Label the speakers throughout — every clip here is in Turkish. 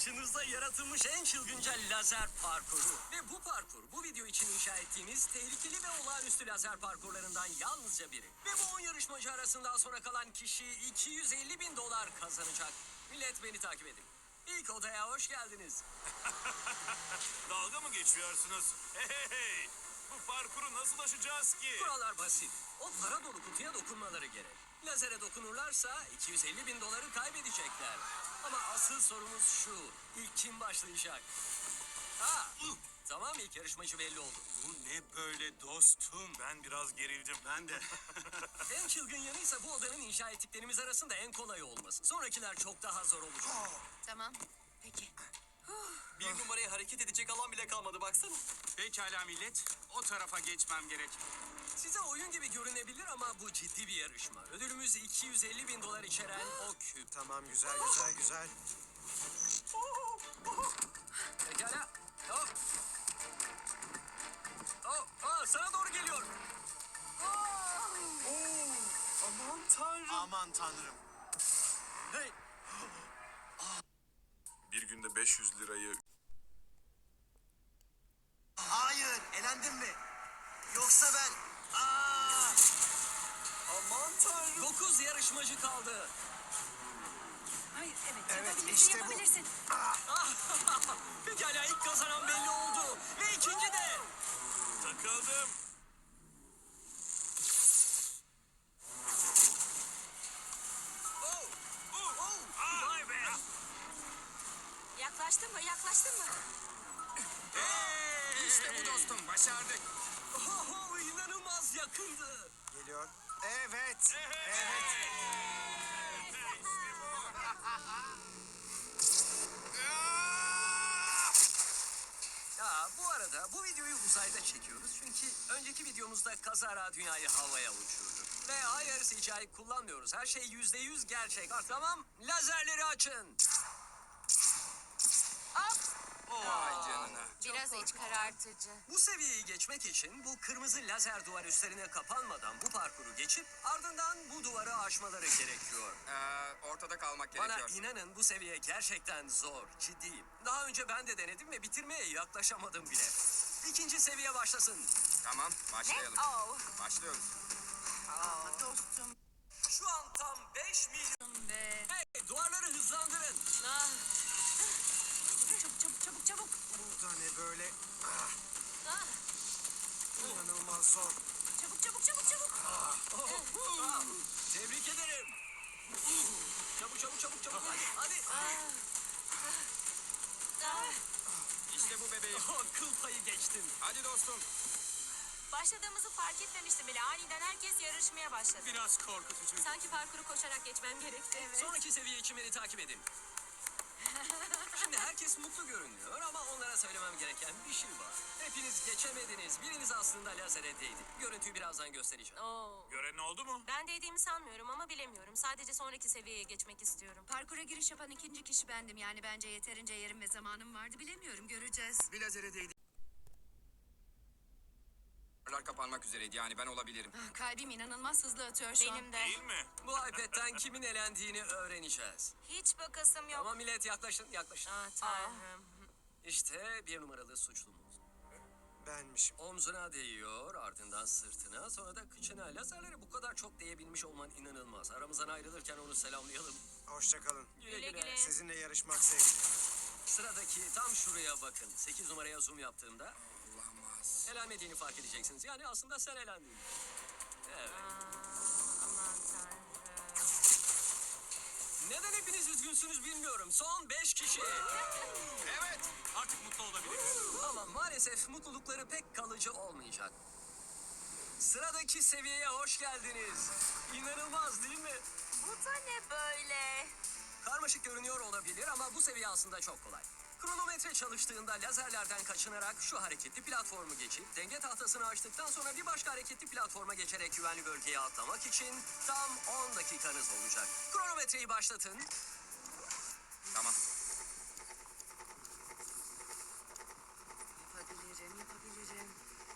Speaker 1: Karşınızda yaratılmış en çılgınca lazer parkuru. Ve bu parkur bu video için inşa ettiğimiz tehlikeli ve olağanüstü lazer parkurlarından yalnızca biri. Ve bu 10 yarışmacı arasından sonra kalan kişi 250.000 dolar kazanacak. Millet beni takip edin. İlk odaya hoş geldiniz.
Speaker 2: Dalga mı geçiyorsunuz? Hey! Bu parkuru nasıl aşacağız ki?
Speaker 1: Kurallar basit. O para dolu kutuya dokunmaları gerek. Lazere dokunurlarsa 250.000 doları kaybedecekler. Ama asıl sorumuz şu. İlk kim başlayacak? Tamam, ilk yarışmacı belli oldu.
Speaker 2: Bu ne böyle dostum? Ben biraz gerildim. Ben de.
Speaker 1: En çılgın yanıysa bu odanın inşa ettiklerimiz arasında en kolayı olması. Sonrakiler çok daha zor olacak.
Speaker 3: Tamam. Peki.
Speaker 1: Bir numaraya hareket edecek alan bile kalmadı baksana.
Speaker 2: Pekala millet. O tarafa geçmem gerek.
Speaker 1: Size oyun gibi görünebilir ama bu ciddi bir yarışma. Ödülümüz 250.000 dolar içeren o küp.
Speaker 4: Tamam, güzel.
Speaker 1: Pekala. Hop. Sana doğru geliyor.
Speaker 2: Aman tanrım.
Speaker 4: Aman tanrım.
Speaker 1: Hey.
Speaker 2: Bir günde 500 lirayı...
Speaker 4: Hayır, elendin mi? Yoksa ben...
Speaker 1: Aman tanrım. 9 yarışmacı kaldı.
Speaker 3: Hayır,
Speaker 4: Evet,
Speaker 3: yapabilirsin,
Speaker 4: işte bu.
Speaker 3: yapabilirsin.
Speaker 1: Pekala, ilk kazanan belli oldu. Ve ikinci de.
Speaker 2: Takıldım.
Speaker 1: Vay be.
Speaker 3: Yaklaştın mı, yaklaştın mı?
Speaker 2: İşte bu dostum. Başardık.
Speaker 1: İnanılmaz yakındı.
Speaker 4: Geliyor. Evet.
Speaker 1: Ya bu arada bu videoyu uzayda çekiyoruz çünkü önceki videomuzda kazara dünyayı havaya uçurduk. Ve hayır, CGI kullanmıyoruz. Her şey %100 gerçek. Tamam, lazerleri açın.
Speaker 2: Vay canına.
Speaker 3: Biraz iç karartıcı.
Speaker 1: Bu seviyeyi geçmek için bu kırmızı lazer duvar üstlerine kapanmadan bu parkuru geçip ardından bu duvarı aşmaları gerekiyor.
Speaker 5: Ortada kalmak
Speaker 1: Bana
Speaker 5: gerekiyor.
Speaker 1: inanın, bu seviye gerçekten zor, ciddiyim. Daha önce ben de denedim ve bitirmeye yaklaşamadım bile. İkinci seviye başlasın.
Speaker 5: Tamam, başlayalım.
Speaker 3: Oh.
Speaker 5: Başlıyoruz.
Speaker 3: Dostum
Speaker 1: Şu an tam 5 milyon.
Speaker 3: be.
Speaker 1: Hey, duvarları hızlandırın.
Speaker 3: Ah. Çabuk.
Speaker 4: Burada ne böyle?
Speaker 3: Ah.
Speaker 4: İnanılmaz zor.
Speaker 3: Çabuk.
Speaker 1: Tebrik ederim. Çabuk. Hadi.
Speaker 3: Ah.
Speaker 5: İşte bu bebeğim.
Speaker 1: Kıl payı geçtin.
Speaker 5: Hadi dostum.
Speaker 3: Başladığımızı fark etmemiştim bile. Aniden herkes yarışmaya başladı.
Speaker 1: Biraz korkutucu.
Speaker 3: Sanki parkuru koşarak geçmem gerekti. Evet.
Speaker 1: Sonraki seviye için beni takip edin. Şimdi herkes mutlu görünüyor ama onlara söylemem gereken bir şey var. Hepiniz geçemediniz. Biriniz aslında lazere değdi. Görüntüyü birazdan göstereceğim.
Speaker 3: Oo.
Speaker 2: Gören oldu mu?
Speaker 3: Ben değdiğimi sanmıyorum ama bilemiyorum. Sadece sonraki seviyeye geçmek istiyorum.
Speaker 6: Parkura giriş yapan ikinci kişi bendim. Yani bence yeterince yerim ve zamanım vardı. Bilemiyorum, göreceğiz.
Speaker 5: Bir lazere değdi. Duvarlar kapanmak üzereydi. Yani ben olabilirim.
Speaker 6: Kalbim inanılmaz hızlı atıyor şu an.
Speaker 3: Benim de.
Speaker 2: Değil mi?
Speaker 1: Bu iPad'den kimin elendiğini öğreneceğiz.
Speaker 3: Hiç bakasım yok.
Speaker 1: Ama millet yaklaşın.
Speaker 3: Ah tanrım.
Speaker 1: İşte bir numaralı suçlumuz.
Speaker 4: Benmişim.
Speaker 1: Omzuna değiyor, ardından sırtına, sonra da kıçına. Lazerlere bu kadar çok değebilmiş olman inanılmaz. Aramızdan ayrılırken onu selamlayalım.
Speaker 4: Hoşça kalın.
Speaker 1: Güle
Speaker 3: Güle.
Speaker 4: Sizinle yarışmak zevkli.
Speaker 1: Sıradaki tam şuraya bakın. 8 numaraya zoom yaptığımda
Speaker 5: Olamaz.
Speaker 1: elenmediğini fark edeceksiniz. Yani aslında sen elendin. Evet.
Speaker 3: Aman tanrım.
Speaker 1: Neden hepiniz üzgünsünüz bilmiyorum. Son 5 kişi.
Speaker 2: Evet. Artık mutlu olabiliriz.
Speaker 1: Ama maalesef mutlulukları pek kalıcı olmayacak. Sıradaki seviyeye hoş geldiniz. İnanılmaz değil mi?
Speaker 3: Bu da ne böyle?
Speaker 1: Karmaşık görünüyor olabilir ama bu seviye aslında çok kolay. Kronometre çalıştığında lazerlerden kaçınarak şu hareketli platformu geçip denge tahtasını açtıktan sonra bir başka hareketli platforma geçerek güvenli bölgeye atlamak için tam 10 dakikanız olacak. Kronometreyi başlatın.
Speaker 5: Tamam.
Speaker 6: Yapabilirim.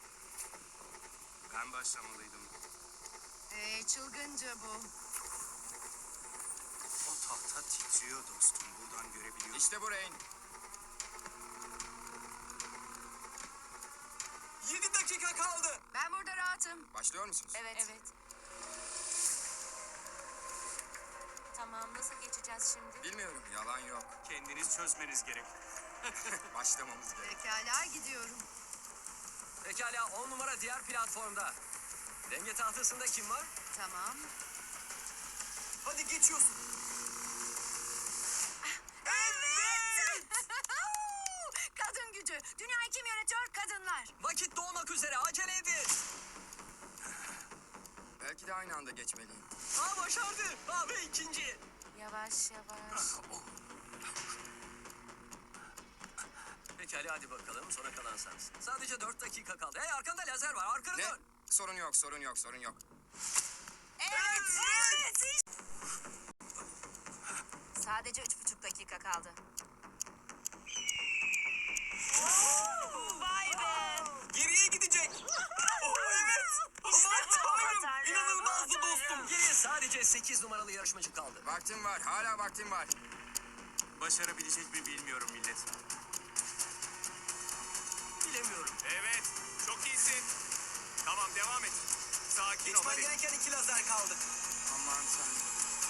Speaker 2: Ben başlamalıydım.
Speaker 6: Çılgınca bu.
Speaker 4: O tahta titriyor dostum. Buradan görebiliyorum.
Speaker 5: İşte bu Rain.
Speaker 4: kaldı.
Speaker 6: Ben burada rahatım.
Speaker 5: Başlıyor musunuz?
Speaker 3: Evet. Tamam, nasıl geçeceğiz şimdi?
Speaker 5: Bilmiyorum. Yalan yok.
Speaker 2: Kendiniz çözmeniz gerek.
Speaker 5: Başlamamız gerek.
Speaker 6: Pekala gidiyorum.
Speaker 1: Pekala 10 numara diğer platformda. Denge tahtasında kim var?
Speaker 6: Tamam.
Speaker 4: Hadi geçiyorsun.
Speaker 6: Evet! Kadın gücü. Dünyayı kim yönetiyor? Kadınlar.
Speaker 1: Vakit doğmak üzere acele edin.
Speaker 5: Belki de aynı anda geçmeliyim.
Speaker 1: Başardı. Ve ikinci.
Speaker 3: Yavaş yavaş.
Speaker 1: Pekala hadi bakalım sona kalan sensin. Sadece 4 dakika kaldı. Hey arkanda lazer var arkana
Speaker 5: Ne?
Speaker 1: dön.
Speaker 5: Sorun yok, sorun yok, sorun yok.
Speaker 6: Evet. Sadece 3,5 dakika kaldı.
Speaker 3: Vay be!
Speaker 1: Geriye gidecek. İnanılmazdı dostum. Geriye sadece 8 numaralı yarışmacı kaldı.
Speaker 5: Vaktim var, hala vaktim var.
Speaker 2: Başarabilecek mi bilmiyorum millet.
Speaker 1: Bilemiyorum.
Speaker 2: Evet, çok iyisin. Tamam, devam et. Sakin ol hadi.
Speaker 1: gereken 2 lazer kaldı.
Speaker 5: Aman tanrım.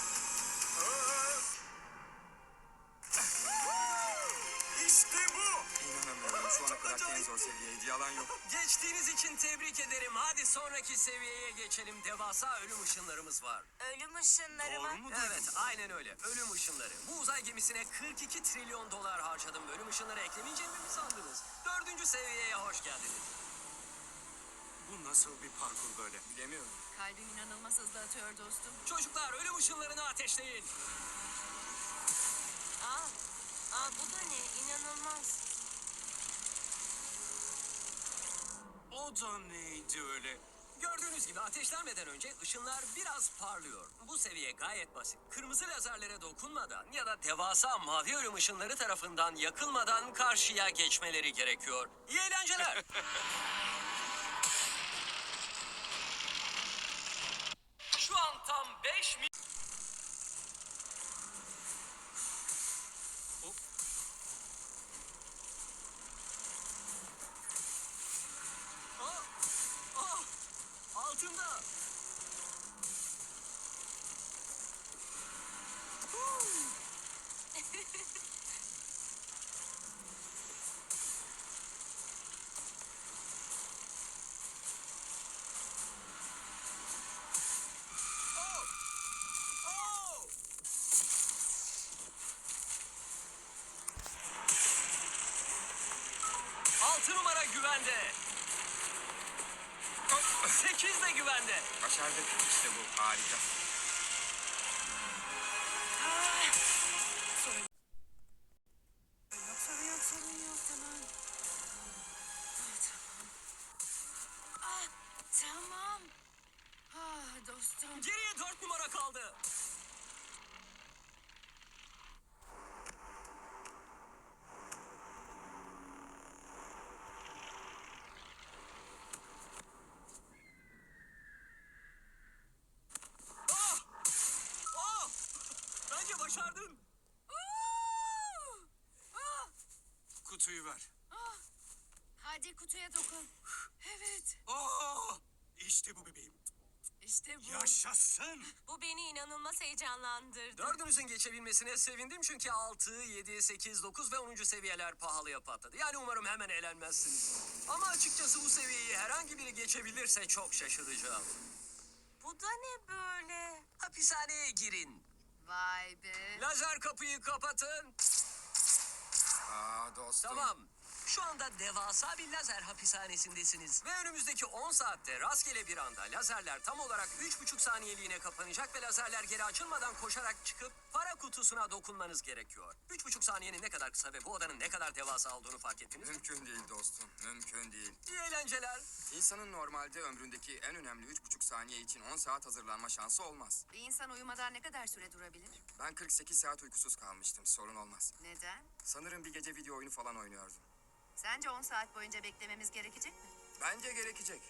Speaker 1: İşte bu.
Speaker 5: İnanamıyorum. Şu ana kadar en zor seviyeydi. Yalan yok.
Speaker 1: Geçtiğiniz için tebrik ederim. Hadi sonraki seviyeye geçelim. Devasa ölüm ışınlarımız var.
Speaker 3: Ölüm ışınları mı?
Speaker 1: Evet, aynen öyle. Ölüm ışınları. Bu uzay gemisine 42 trilyon dolar harcadım. Ölüm ışınları eklemeyeceğimi mi sandınız? 4. seviyeye hoş geldiniz.
Speaker 2: Bu nasıl bir parkur böyle?
Speaker 5: Bilemiyorum.
Speaker 6: Kalbim inanılmaz hızlı atıyor dostum.
Speaker 1: Çocuklar ölüm ışınlarını ateşleyin.
Speaker 3: Bu da ne? İnanılmaz.
Speaker 2: O da neydi öyle?
Speaker 1: Gördüğünüz gibi ateşlenmeden önce ışınlar biraz parlıyor. Bu seviye gayet basit. Kırmızı lazerlere dokunmadan ya da devasa mavi ölüm ışınları tarafından yakılmadan karşıya geçmeleri gerekiyor. İyi eğlenceler. Şu an tam 5 mil... Altında. Altı numara güvende. 8 de güvende.
Speaker 5: Başardık. İşte bu. Harika.
Speaker 6: Sorun yok tamam. Tamam. Dostum.
Speaker 1: Geriye 4 numara kaldı. Bence başardın.
Speaker 2: Kutuyu ver.
Speaker 6: Hadi kutuya dokun. Evet.
Speaker 2: İşte bu bebeğim.
Speaker 6: İşte bu.
Speaker 2: Yaşasın.
Speaker 3: Bu beni inanılmaz heyecanlandırdı.
Speaker 1: Dördünüzün geçebilmesine sevindim çünkü 6, 7, 8, 9 ve 10. seviyeler pahalıya patladı. Yani umarım hemen eğlenmezsiniz. Ama açıkçası bu seviyeyi herhangi biri geçebilirse çok şaşıracağım.
Speaker 3: Bu da ne böyle?
Speaker 1: Hapishaneye girin.
Speaker 6: Vay be.
Speaker 1: Lazer kapıyı kapatın.
Speaker 5: Dostum.
Speaker 1: Tamam. Şu anda devasa bir lazer hapishanesindesiniz. Ve önümüzdeki 10 saatte rastgele bir anda lazerler tam olarak 3,5 saniyeliğine kapanacak ve lazerler geri açılmadan koşarak çıkıp para kutusuna dokunmanız gerekiyor. 3,5 saniyenin ne kadar kısa ve bu odanın ne kadar devasa olduğunu fark ettiniz mi?
Speaker 5: Mümkün değil dostum. Mümkün değil.
Speaker 1: İyi eğlenceler.
Speaker 5: İnsanın normalde ömründeki en önemli 3,5 saniye için 10 saat hazırlanma şansı olmaz.
Speaker 6: Bir insan uyumadan ne kadar süre durabilir?
Speaker 5: Ben 48 saat uykusuz kalmıştım. Sorun olmaz.
Speaker 6: Neden?
Speaker 5: Sanırım bir gece video oyunu falan oynuyordum.
Speaker 6: Sence 10 saat boyunca beklememiz gerekecek mi?
Speaker 5: Bence gerekecek.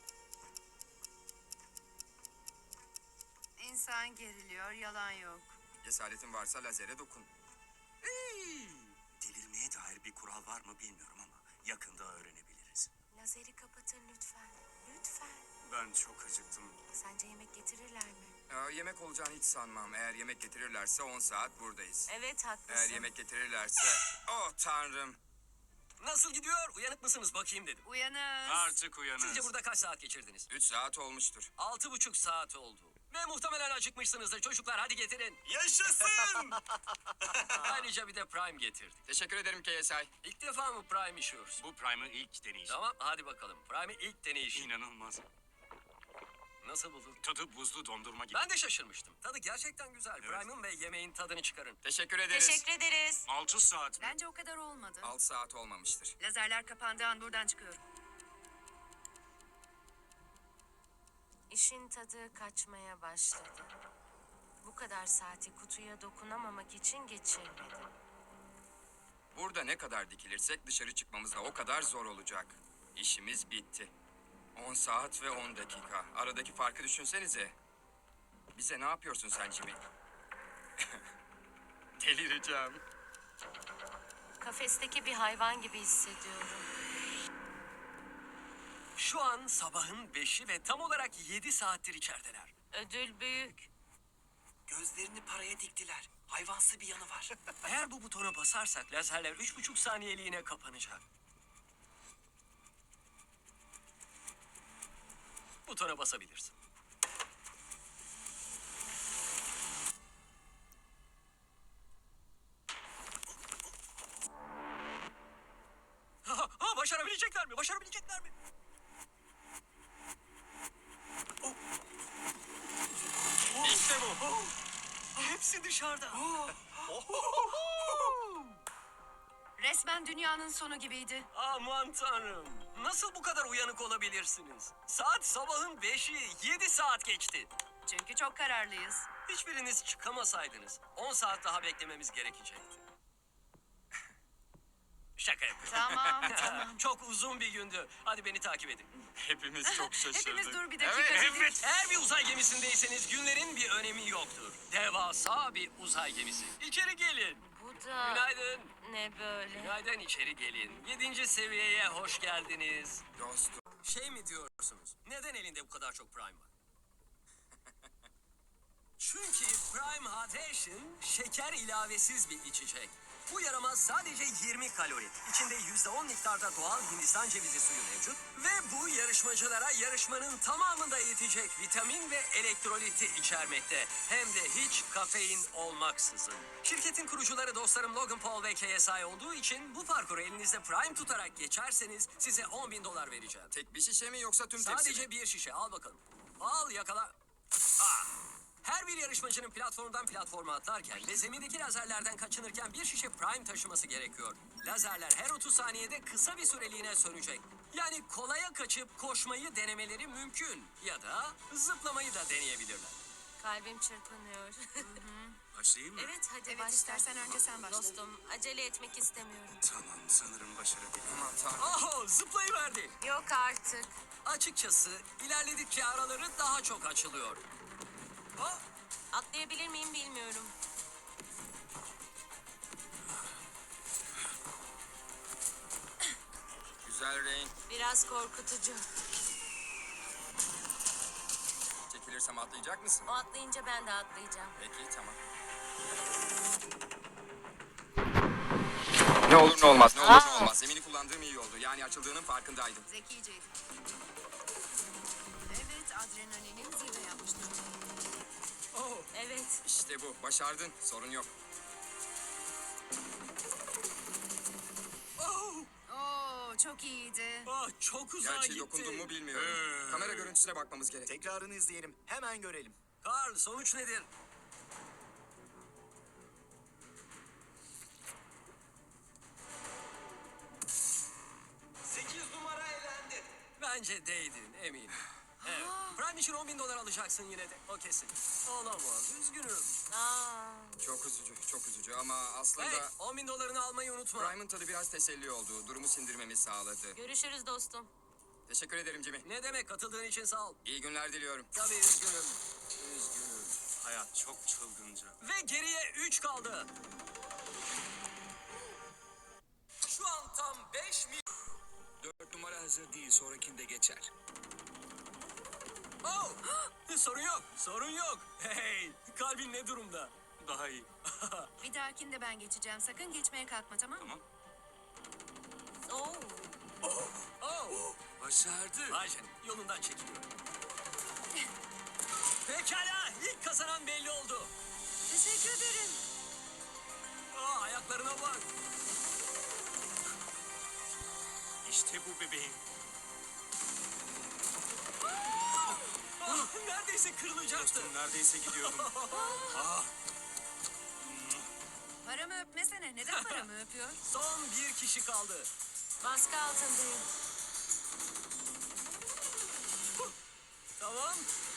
Speaker 6: İnsan geriliyor, yalan yok.
Speaker 5: Cesaretin varsa lazere dokun.
Speaker 2: Delirmeye dair bir kural var mı bilmiyorum ama yakında öğrenebiliriz.
Speaker 3: Lazeri kapatın lütfen. Lütfen.
Speaker 2: Ben çok acıktım.
Speaker 3: Sence yemek getirirler mi?
Speaker 5: Yemek olacağını hiç sanmam. Eğer yemek getirirlerse 10 saat buradayız.
Speaker 3: Evet haklısın.
Speaker 5: Eğer yemek getirirlerse... Oh tanrım.
Speaker 1: Nasıl gidiyor? Uyanık mısınız bakayım dedim.
Speaker 6: Uyanız.
Speaker 2: Artık uyanın.
Speaker 1: Sizce burada kaç saat geçirdiniz?
Speaker 5: 3 saat olmuştur.
Speaker 1: 6,5 saat oldu. Ve muhtemelen acıkmışsınızdır çocuklar, hadi getirin.
Speaker 4: Yaşasın!
Speaker 1: Ayrıca bir de Prime getirdik.
Speaker 5: Teşekkür ederim KSI.
Speaker 1: İlk defa mı Prime işiyoruz?
Speaker 2: Bu Prime'ı ilk deneyişim.
Speaker 1: Tamam, hadi bakalım. Prime'i ilk deneyişim.
Speaker 2: İnanılmaz.
Speaker 1: Nasıl buldun?
Speaker 2: Tadı buzlu dondurma gibi.
Speaker 1: Ben de şaşırmıştım. Tadı gerçekten güzel.
Speaker 2: Evet.
Speaker 1: Prime'ın ve yemeğin tadını çıkarın.
Speaker 5: Teşekkür ederiz.
Speaker 3: Teşekkür ederiz.
Speaker 2: 6 saat mi?
Speaker 6: Bence o kadar olmadı.
Speaker 5: 6 saat olmamıştır.
Speaker 6: Lazerler kapandığı an buradan çıkıyorum.
Speaker 3: İşin tadı kaçmaya başladı. Bu kadar saati kutuya dokunamamak için geçirmedim.
Speaker 5: Burada ne kadar dikilirsek dışarı çıkmamız da o kadar zor olacak. İşimiz bitti. 10 saat ve 10 dakika. Aradaki farkı düşünsenize. Bize ne yapıyorsun sen Jimmy? Delireceğim.
Speaker 3: Kafesteki bir hayvan gibi hissediyorum.
Speaker 1: Şu an sabahın 5'i ve tam olarak 7 saattir içerideler.
Speaker 3: Ödül büyük.
Speaker 4: Gözlerini paraya diktiler. Hayvansı bir yanı var.
Speaker 1: Eğer bu butona basarsak lazerler 3,5 saniyeliğine kapanacak. Butona basabilirsin. Başarabilecekler mi? Başarabilecekler mi? İşte bu. Hepsi dışarıda.
Speaker 6: Resmen dünyanın sonu gibiydi.
Speaker 1: Aman tanrım. Nasıl bu kadar uyanık olabilirsiniz? Saat sabahın 5'i, 7 saat geçti.
Speaker 6: Çünkü çok kararlıyız.
Speaker 1: Hiçbiriniz çıkamasaydınız 10 saat daha beklememiz gerekecekti. Şaka yapıyorum.
Speaker 6: Tamam, tamam.
Speaker 1: Çok uzun bir gündü. Hadi beni takip edin.
Speaker 5: Hepimiz çok şaşırdık.
Speaker 6: Hepimiz dur bir dakika
Speaker 5: Evet,
Speaker 6: dedik.
Speaker 1: Eğer bir uzay gemisindeyseniz günlerin bir önemi yoktur. Devasa bir uzay gemisi. İçeri gelin.
Speaker 3: Bu da
Speaker 1: Günaydın.
Speaker 3: ne böyle?
Speaker 1: Günaydın, içeri gelin. 7. seviyeye hoş geldiniz.
Speaker 5: Dostum.
Speaker 1: Şey mi diyorsunuz? Neden elinde bu kadar çok Prime var? Çünkü Prime Hydration şeker ilavesiz bir içecek. Bu yaramaz sadece 20 kalori. İçinde %10 miktarda doğal Hindistan cevizi suyu mevcut. Ve bu yarışmacılara yarışmanın tamamında yetecek vitamin ve elektroliti içermekte. Hem de hiç kafein olmaksızın. Şirketin kurucuları dostlarım Logan Paul ve KSI olduğu için bu parkuru elinizde Prime tutarak geçerseniz size $10.000 vereceğim.
Speaker 5: Tek bir şişe mi yoksa tüm tepsi mi?
Speaker 1: Sadece bir şişe, al bakalım. Al, yakala. Ah! Her bir yarışmacının platformdan platforma atlarken ve zemindeki lazerlerden kaçınırken bir şişe Prime taşıması gerekiyor. Lazerler her 30 saniyede kısa bir süreliğine sönecek. Yani kolaya kaçıp koşmayı denemeleri mümkün. Ya da zıplamayı da deneyebilirler.
Speaker 3: Kalbim çırpınıyor.
Speaker 2: Başlayayım mı?
Speaker 3: Evet hadi
Speaker 6: Evet,
Speaker 3: başla.
Speaker 6: istersen önce sen başla.
Speaker 3: Dostum acele etmek istemiyorum.
Speaker 2: Tamam, sanırım başarabilirim.
Speaker 5: Aman tanrım.
Speaker 1: Oho, zıplayıverdi.
Speaker 3: Yok artık.
Speaker 1: Açıkçası ilerledikçe araları daha çok açılıyor. Oh,
Speaker 3: Atlayabilir miyim bilmiyorum.
Speaker 5: Güzel Rain.
Speaker 3: Biraz korkutucu.
Speaker 5: Çekilirsem atlayacak mısın?
Speaker 3: O atlayınca ben de atlayacağım.
Speaker 5: Peki tamam. Ne olur ne olmaz, ne olur ne olmaz. Zemini kullandığım iyi oldu. Yani açıldığının farkındaydım.
Speaker 6: Zekiceydi. Evet, adrenalinin zirve yapmıştı.
Speaker 1: oh.
Speaker 3: Evet.
Speaker 5: İşte bu. Başardın. Sorun yok.
Speaker 1: Oh,
Speaker 6: Oo, çok iyiydi.
Speaker 1: ah, çok uzağa
Speaker 5: Gerçi
Speaker 1: gitti.
Speaker 5: dokundum mu bilmiyorum. Kamera görüntüsüne bakmamız gerek.
Speaker 4: Tekrarını izleyelim. Hemen görelim.
Speaker 1: Karl, sonuç nedir? Bence değdin, eminim. Evet. Prime için $10.000 alacaksın yine de. O kesin. Olamaz, üzgünüm.
Speaker 3: Aa,
Speaker 5: Çok üzücü, çok üzücü ama aslında
Speaker 1: Hey, $10.000'ını almayı unutma.
Speaker 5: Prime'ın tadı biraz teselli oldu. Durumu sindirmemi sağladı.
Speaker 3: görüşürüz dostum.
Speaker 5: Teşekkür ederim Jimmy.
Speaker 1: Ne demek, katıldığın için sağ ol.
Speaker 5: İyi günler diliyorum.
Speaker 1: Tabii üzgünüm. Üzgünüm.
Speaker 2: Hayat çok çılgınca.
Speaker 1: Ve geriye 3 kaldı. Şu an tam 5 mil...
Speaker 4: 4 numara hazır değil, sonrakinde geçer.
Speaker 1: Oh! Sorun yok, sorun yok. Hey, kalbin ne durumda?
Speaker 2: Daha iyi.
Speaker 6: Bir dahakinde ben geçeceğim. Sakın geçmeye kalkma, tamam mı?
Speaker 2: Tamam.
Speaker 3: Oo,
Speaker 1: Oh!
Speaker 4: Başardı.
Speaker 1: Vay canına, yolundan çekiliyor. Pekala, ilk kazanan belli oldu.
Speaker 6: Teşekkür ederim.
Speaker 1: Ayaklarına bak.
Speaker 2: İşte bu bebeğim.
Speaker 1: Neredeyse kırılacaktı.
Speaker 2: Dostum neredeyse gidiyordum.
Speaker 6: Paramı öpmesene. Neden paramı öpüyor?
Speaker 1: Son bir kişi kaldı.
Speaker 3: baskı altındayım.
Speaker 1: Tamam.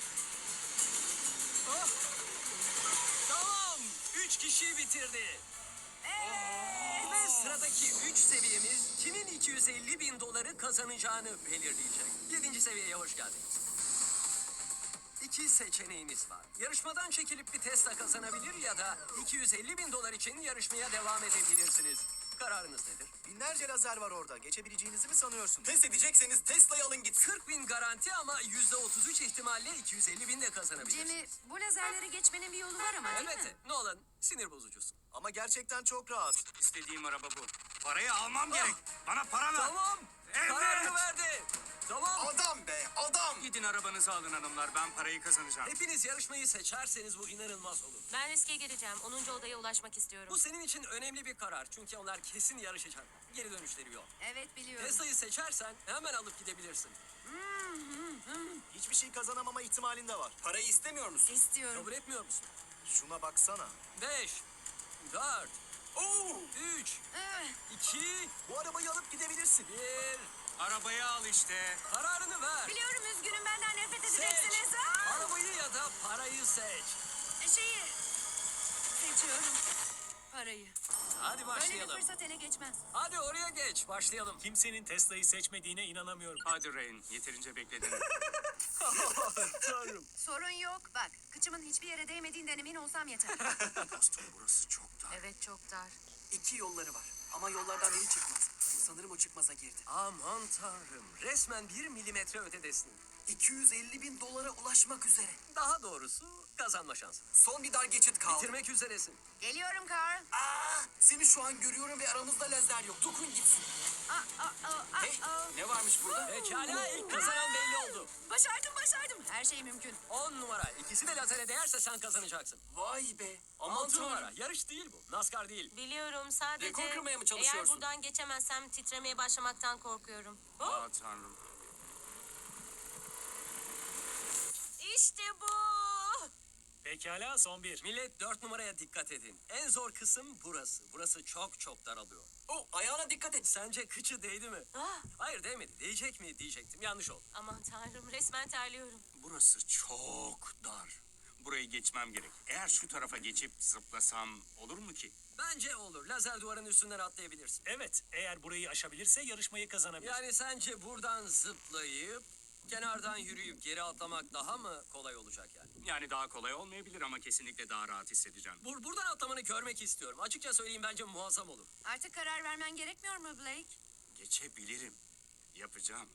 Speaker 1: Oh. Tamam. 3 kişi bitirdi. Ve sıradaki 3 seviyemiz kimin 250 bin doları kazanacağını belirleyecek. 7. seviyeye hoş geldiniz. 2 seçeneğiniz var. Yarışmadan çekilip bir Tesla kazanabilir ya da 250 bin dolar için yarışmaya devam edebilirsiniz. Kararınız nedir?
Speaker 7: Binlerce lazer var orada. Geçebileceğinizi mi sanıyorsunuz?
Speaker 4: Test edecekseniz Tesla'yı alın gitsin.
Speaker 1: 40 bin garanti ama %33 ihtimalle 250 bin de kazanabilirsiniz.
Speaker 6: Cem'i, bu lazerleri geçmenin bir yolu var ama değil mi?
Speaker 1: Evet, Nolan sinir bozucusun.
Speaker 7: Ama gerçekten çok rahat.
Speaker 2: İstediğim araba bu. Parayı almam gerek. Bana para ver.
Speaker 1: Tamam,
Speaker 2: Evet.
Speaker 1: kararını verdi. Tamam.
Speaker 7: Adam be, adam!
Speaker 2: Gidin arabanızı alın hanımlar. Ben parayı kazanacağım.
Speaker 1: Hepiniz yarışmayı seçerseniz bu inanılmaz olur.
Speaker 3: Ben riske gireceğim. 10. odaya ulaşmak istiyorum.
Speaker 1: Bu senin için önemli bir karar çünkü onlar kesin yarışacak. Geri dönüşleri yok.
Speaker 6: Evet, biliyorum.
Speaker 1: Tesla'yı seçersen hemen alıp gidebilirsin.
Speaker 7: Hiçbir şey kazanamama ihtimalin de var.
Speaker 4: Parayı istemiyor musun?
Speaker 6: İstiyorum.
Speaker 1: Kabul etmiyor musun?
Speaker 7: Şuna baksana.
Speaker 1: 5, 4, 3,
Speaker 6: Eh,
Speaker 1: 2,
Speaker 7: Bu arabayı alıp gidebilirsin.
Speaker 1: 1.
Speaker 2: Arabayı al işte.
Speaker 1: Kararını ver.
Speaker 6: biliyorum, üzgünüm, benden nefret
Speaker 1: Seç.
Speaker 6: edeceksiniz. Aa!
Speaker 1: Arabayı ya da parayı seç.
Speaker 6: Şeyi seçiyorum. Parayı.
Speaker 1: Hadi
Speaker 6: Böyle bir
Speaker 1: başlayalım.
Speaker 6: fırsat ele geçmez.
Speaker 1: Hadi oraya geç. Başlayalım.
Speaker 8: Kimsenin Tesla'yı seçmediğine inanamıyorum.
Speaker 2: Hadi Rain. Yeterince bekledin.
Speaker 1: Tanrım.
Speaker 6: Sorun yok. Bak, kıçımın hiçbir yere değmediğinden emin olsam yeter.
Speaker 4: Dostum burası çok dar.
Speaker 3: Evet, çok dar.
Speaker 4: 2 yolları var ama yollardan biri çıkmaz. Sanırım o çıkmaza girdi.
Speaker 1: Aman tanrım. Resmen 1 milimetre ötedesin.
Speaker 4: 250 bin dolara ulaşmak üzere.
Speaker 1: Daha doğrusu kazanma şansın.
Speaker 4: Son bir dar geçit kaldı.
Speaker 1: Bitirmek üzeresin.
Speaker 6: Geliyorum Carl.
Speaker 4: Seni şu an görüyorum ve aramızda lazer yok. Dokun gitsin. Hey, ne varmış burada?
Speaker 1: Pekala ilk kazanan belli oldu.
Speaker 6: Başardım. Her şey mümkün.
Speaker 1: 10 numara. İkisi de lazere değerse sen kazanacaksın.
Speaker 4: Vay be. Aman
Speaker 1: 6 numara.
Speaker 4: tanrım.
Speaker 1: Yarış değil bu. NASCAR değil.
Speaker 3: Biliyorum, sadece
Speaker 4: Rekor kırmaya mı
Speaker 3: eğer
Speaker 4: çalışıyorsun?
Speaker 3: buradan geçemezsem titremeye başlamaktan korkuyorum.
Speaker 2: Aa tanrım.
Speaker 3: İşte bu.
Speaker 8: Pekala, son bir.
Speaker 1: Millet 4 numaraya dikkat edin. En zor kısım burası. Burası çok çok daralıyor.
Speaker 4: Oh, ayağına dikkat et.
Speaker 1: Sence kıçı değdi mi?
Speaker 3: Ah,
Speaker 1: Hayır değmedi. Değecek mi diyecektim. Yanlış oldu.
Speaker 3: aman tanrım, resmen terliyorum.
Speaker 2: Burası çok dar. Burayı geçmem gerek. Eğer şu tarafa geçip zıplasam olur mu ki?
Speaker 1: Bence olur. Lazer duvarın üstünden atlayabilirsin.
Speaker 8: Evet, eğer burayı aşabilirse yarışmayı kazanabilir.
Speaker 1: Yani sence buradan zıplayıp kenardan yürüyüp geri atlamak daha mı kolay olacak yani?
Speaker 2: Yani daha kolay olmayabilir ama kesinlikle daha rahat hissedeceğim.
Speaker 1: Buradan atlamanı görmek istiyorum. Açıkça söyleyeyim bence muazzam olur.
Speaker 6: Artık karar vermen gerekmiyor mu Blake?
Speaker 2: Geçebilirim. Yapacağım.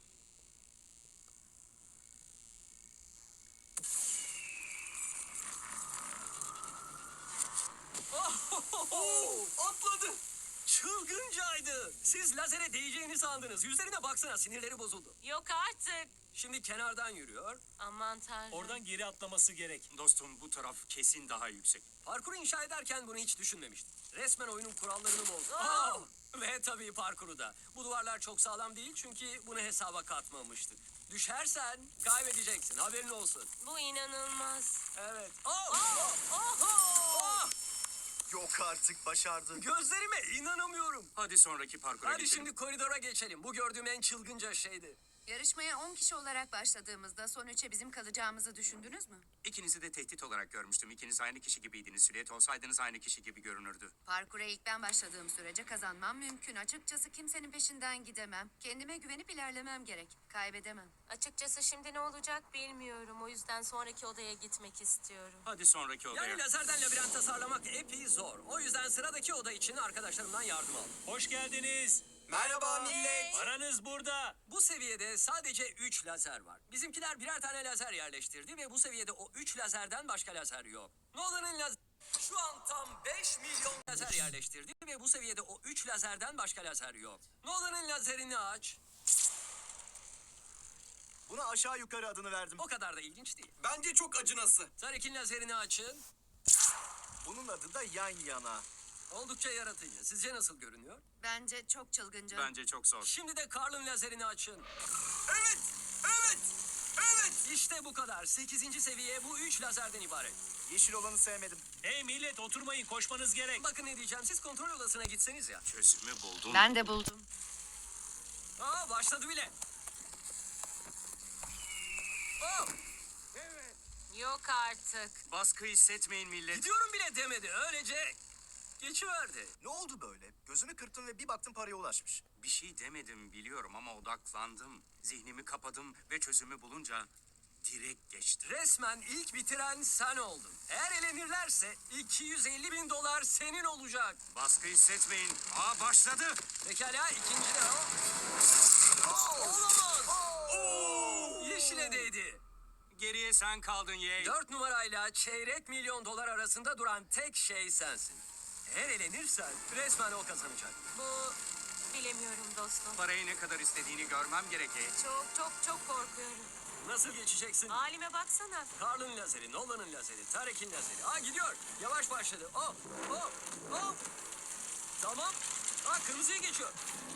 Speaker 1: Atladı. Çılgıncaydı. Siz lazere değeceğini sandınız. Yüzlerine baksana sinirleri bozuldu.
Speaker 3: Yok artık.
Speaker 1: Şimdi kenardan yürüyor.
Speaker 3: Aman tanrım.
Speaker 8: Oradan geri atlaması gerek.
Speaker 2: Dostum bu taraf kesin daha yüksek.
Speaker 1: Parkuru inşa ederken bunu hiç düşünmemiştim. Resmen oyunun kurallarını bozdu.
Speaker 3: Oh!
Speaker 1: Ve tabii parkuru da. Bu duvarlar çok sağlam değil çünkü bunu hesaba katmamıştık. Düşersen kaybedeceksin. Haberin olsun.
Speaker 3: Bu inanılmaz.
Speaker 1: Evet. Oh!
Speaker 7: Yok artık, başardı.
Speaker 1: Gözlerime inanamıyorum.
Speaker 2: Hadi sonraki parkura
Speaker 1: Hadi
Speaker 2: geçelim.
Speaker 1: şimdi koridora geçelim. Bu gördüğüm en çılgınca şeydi.
Speaker 6: Yarışmaya 10 kişi olarak başladığımızda son 3'e bizim kalacağımızı düşündünüz mü?
Speaker 2: İkinizi de tehdit olarak görmüştüm. İkiniz aynı kişi gibiydiniz. Silüet olsaydınız aynı kişi gibi görünürdü.
Speaker 6: Parkura ilk ben başladığım sürece kazanmam mümkün. Açıkçası kimsenin peşinden gidemem. Kendime güvenip ilerlemem gerek. Kaybedemem.
Speaker 3: Açıkçası şimdi ne olacak bilmiyorum. O yüzden sonraki odaya gitmek istiyorum.
Speaker 2: Hadi sonraki odaya.
Speaker 1: Yani lazerden labirent tasarlamak epey zor. O yüzden sıradaki oda için arkadaşlarımdan yardım aldım.
Speaker 8: Hoş geldiniz.
Speaker 4: Merhaba millet.
Speaker 8: Paranız burada.
Speaker 1: Bu seviyede sadece 3 lazer var. Bizimkiler birer tane lazer yerleştirdi ve bu seviyede o 3 lazerden başka lazer yok. Nolan'ın lazer... Şu an tam 5 milyon lazer yerleştirdi ve bu seviyede o 3 lazerden başka lazer yok. Nolan'ın lazerini aç.
Speaker 7: Buna aşağı yukarı adını verdim.
Speaker 1: O kadar da ilginç değil.
Speaker 4: Bence çok acınası.
Speaker 1: Tarek'in lazerini açın.
Speaker 7: Bunun adı da yan yana.
Speaker 1: Oldukça yaratıcı. Sizce nasıl görünüyor?
Speaker 6: Bence çok çılgınca.
Speaker 2: Bence çok zor.
Speaker 1: Şimdi de Carl'ın lazerini açın.
Speaker 4: Evet, evet, evet.
Speaker 1: İşte bu kadar. 8. seviye bu 3 lazerden ibaret.
Speaker 7: Yeşil olanı sevmedim.
Speaker 8: Hey millet oturmayın koşmanız gerek.
Speaker 1: Bakın ne diyeceğim. Siz kontrol odasına gitseniz ya.
Speaker 2: Çözümü buldum.
Speaker 6: Ben de buldum.
Speaker 1: Aa başladı bile. Oh,
Speaker 3: Yok artık.
Speaker 2: Baskı hissetmeyin millet.
Speaker 1: gidiyorum bile demedi. Öylece geçiverdi.
Speaker 7: Ne oldu böyle? Gözünü kırptın ve bir baktın paraya ulaşmış.
Speaker 2: Bir şey demedim biliyorum ama odaklandım. Zihnimi kapadım ve çözümü bulunca direkt geçti.
Speaker 1: Resmen ilk bitiren sen oldun. Eğer elenirlerse 250 bin dolar senin olacak.
Speaker 2: Baskı hissetmeyin. Aa başladı.
Speaker 1: Pekala ikinci de o. Olamaz. Yeşile değdi.
Speaker 2: Geriye sen kaldın yeğen.
Speaker 1: 4 numarayla çeyrek milyon dolar arasında duran tek şey sensin. Eğer elenirsen resmen o kazanacak.
Speaker 3: Bu bilemiyorum dostum.
Speaker 2: Parayı ne kadar istediğini görmem gerekecek.
Speaker 3: Çok çok çok korkuyorum.
Speaker 1: Nasıl geçeceksin?
Speaker 3: Halime baksana.
Speaker 1: Carl'ın lazeri, Nolan'ın lazeri, Tarek'in lazeri. Aa gidiyor. Yavaş başladı. Oh, oh, oh. Tamam. Aa kırmızıya geçiyor.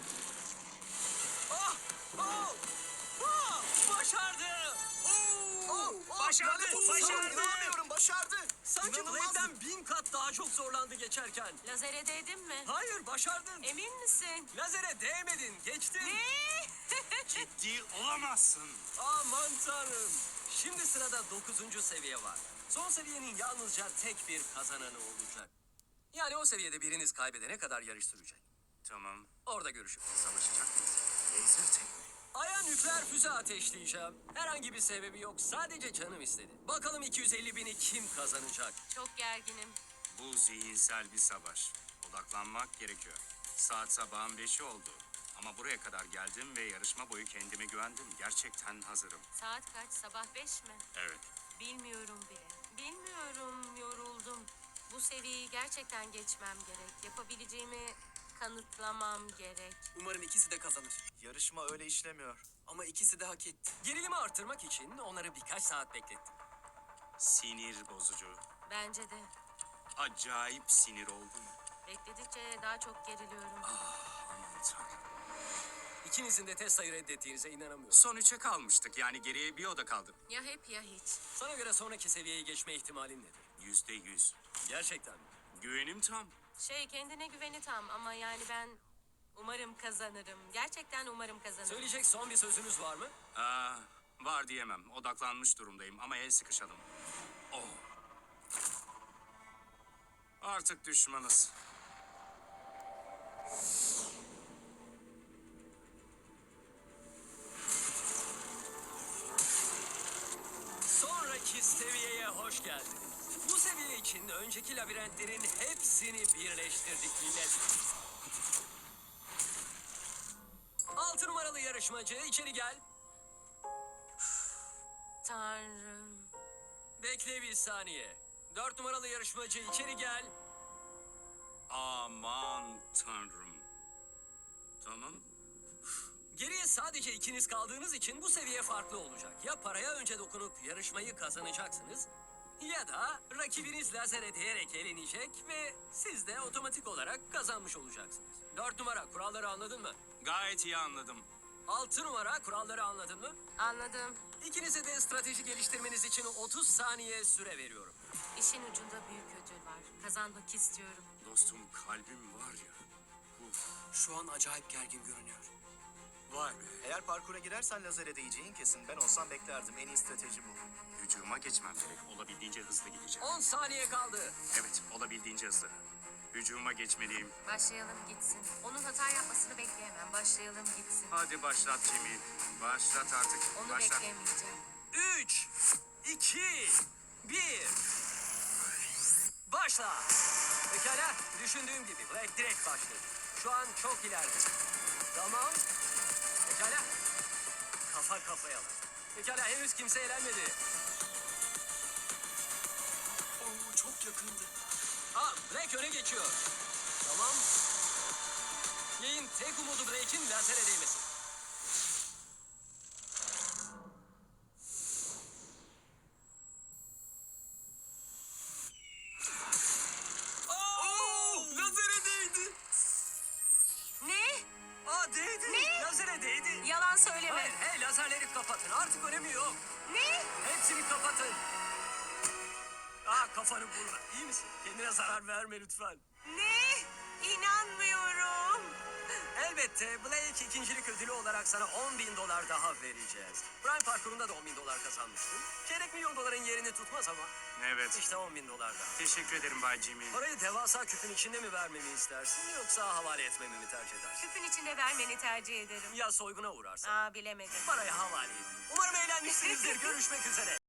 Speaker 1: Oh, oh, oh. Başardı.
Speaker 8: Başardı,
Speaker 1: lanet olsun.
Speaker 8: başardı.
Speaker 7: İnanamıyorum, başardı.
Speaker 1: Sanki
Speaker 7: İnanılmaz.
Speaker 1: Blade'den 1000 kat daha çok zorlandı geçerken.
Speaker 3: Lazere değdin mi?
Speaker 1: Hayır başardın.
Speaker 3: Emin misin?
Speaker 1: Lazere değmedin. Geçtin.
Speaker 3: Ne?
Speaker 2: Ciddi olamazsın.
Speaker 1: Aman tanrım. Şimdi sırada 9. seviye var. Son seviyenin yalnızca tek bir kazananı olacak. Yani o seviyede biriniz kaybedene kadar yarış sürecek.
Speaker 2: Tamam.
Speaker 1: Orada görüşürüz.
Speaker 2: Savaşacak mıyız? Laser tekme.
Speaker 1: Aya nükleer füze ateşleyeceğim. Herhangi bir sebebi yok. Sadece canım istedi. Bakalım 250 bini kim kazanacak?
Speaker 3: Çok gerginim.
Speaker 2: Bu zihinsel bir savaş. Odaklanmak gerekiyor. Saat sabahın 5'i oldu. Ama buraya kadar geldim ve yarışma boyu kendime güvendim. Gerçekten hazırım.
Speaker 3: Saat kaç? Sabah 5 mi?
Speaker 2: Evet.
Speaker 3: Bilmiyorum bile. Bilmiyorum, yoruldum. Bu seviyeyi gerçekten geçmem gerek. Yapabileceğimi kanıtlamam gerek.
Speaker 4: Umarım ikisi de kazanır.
Speaker 7: Yarışma öyle işlemiyor.
Speaker 4: Ama ikisi de hak etti.
Speaker 1: Gerilimi artırmak için onları birkaç saat beklettim.
Speaker 2: Sinir bozucu.
Speaker 3: Bence de.
Speaker 2: Acayip sinir oldum.
Speaker 3: Bekledikçe daha çok geriliyorum.
Speaker 2: Aman tanrım.
Speaker 1: İkinizin de test sayı reddettiğinize inanamıyorum.
Speaker 2: Son 3'e kalmıştık. Yani geriye bir oda kaldı.
Speaker 3: Ya hep ya hiç.
Speaker 1: Sana göre sonraki seviyeye geçme ihtimalin nedir?
Speaker 2: %100.
Speaker 1: Gerçekten mi?
Speaker 2: Güvenim tam.
Speaker 3: Kendine güveni tam ama yani ben umarım kazanırım. Gerçekten umarım kazanırım.
Speaker 1: Söyleyecek son bir sözünüz var mı?
Speaker 2: Var diyemem. Odaklanmış durumdayım ama el sıkışalım. Oh. Artık düşmanız.
Speaker 1: Sonraki seviyeye hoş geldiniz. Bu seviye için önceki labirentlerin hepsini birleştirdik millet. 6 numaralı yarışmacı içeri gel.
Speaker 3: Tanrım.
Speaker 1: Bekle bir saniye. 4 numaralı yarışmacı içeri gel.
Speaker 2: Aman tanrım. Tamam.
Speaker 1: Geriye sadece ikiniz kaldığınız için bu seviye farklı olacak. Ya paraya önce dokunup yarışmayı kazanacaksınız ya da rakibiniz lazere değerek elenecek ve siz de otomatik olarak kazanmış olacaksınız. 4 numara kuralları anladın mı?
Speaker 2: Gayet iyi anladım.
Speaker 1: 6 numara kuralları anladın mı?
Speaker 3: Anladım.
Speaker 1: İkinize de strateji geliştirmeniz için 30 saniye süre veriyorum.
Speaker 3: İşin ucunda büyük ödül var. Kazanmak istiyorum.
Speaker 2: Dostum kalbim var ya.
Speaker 4: Şu an acayip gergin görünüyor.
Speaker 2: Vay be.
Speaker 7: Eğer parkura girersen lazere değeceğin kesin. Ben olsam beklerdim. En iyi strateji bu.
Speaker 2: Hücuma geçmem gerek. Olabildiğince hızlı gideceğim.
Speaker 1: 10 saniye kaldı.
Speaker 2: Evet, olabildiğince hızlı. Hücuma geçmeliyim.
Speaker 3: Başlayalım gitsin. Onun hata yapmasını bekleyemem. Başlayalım gitsin.
Speaker 2: Hadi başlat Jimmy. Başlat artık.
Speaker 3: Onu
Speaker 2: Başlat.
Speaker 3: bekleyemeyeceğim.
Speaker 1: 3, 2, 1. Başla. Pekala, düşündüğüm gibi Black direkt başladı. Şu an çok ileride. Tamam. Pekala. Kafa kafaya lan. Pekala henüz kimse eğlenmedi.
Speaker 4: Oo, çok yakındı.
Speaker 1: Blake öne geçiyor. Tamam. Yayın tek umudu Blake'in lazere değmesi.
Speaker 4: Lazere değdi.
Speaker 3: Ne?
Speaker 1: Değdi.
Speaker 3: Ne?
Speaker 1: Lazere değdi.
Speaker 3: Yalan söyleme.
Speaker 1: Hayır, hey lazerleri kapatın. Artık önemi yok.
Speaker 3: Ne?
Speaker 1: Hepsini kapatın. Kafanı vurma. İyi misin? Kendine zarar verme lütfen.
Speaker 3: Ne? İnanmıyorum.
Speaker 1: Elbette Blake ikincilik ödülü olarak sana $10.000 daha vereceğiz. Prime parkurunda da $10.000 kazanmıştın. Çeyrek milyon doların yerini tutmaz ama
Speaker 2: Evet.
Speaker 1: işte $10.000 daha.
Speaker 2: Teşekkür ederim Bay Jimmy.
Speaker 1: Parayı devasa küpün içinde mi vermemi istersin yoksa havale etmemi mi tercih edersin?
Speaker 3: Küpün içinde vermeni tercih ederim.
Speaker 1: Ya soyguna uğrarsan?
Speaker 3: Bilemedim.
Speaker 1: Parayı havale edeyim. Umarım eğlenmişsinizdir. Görüşmek üzere.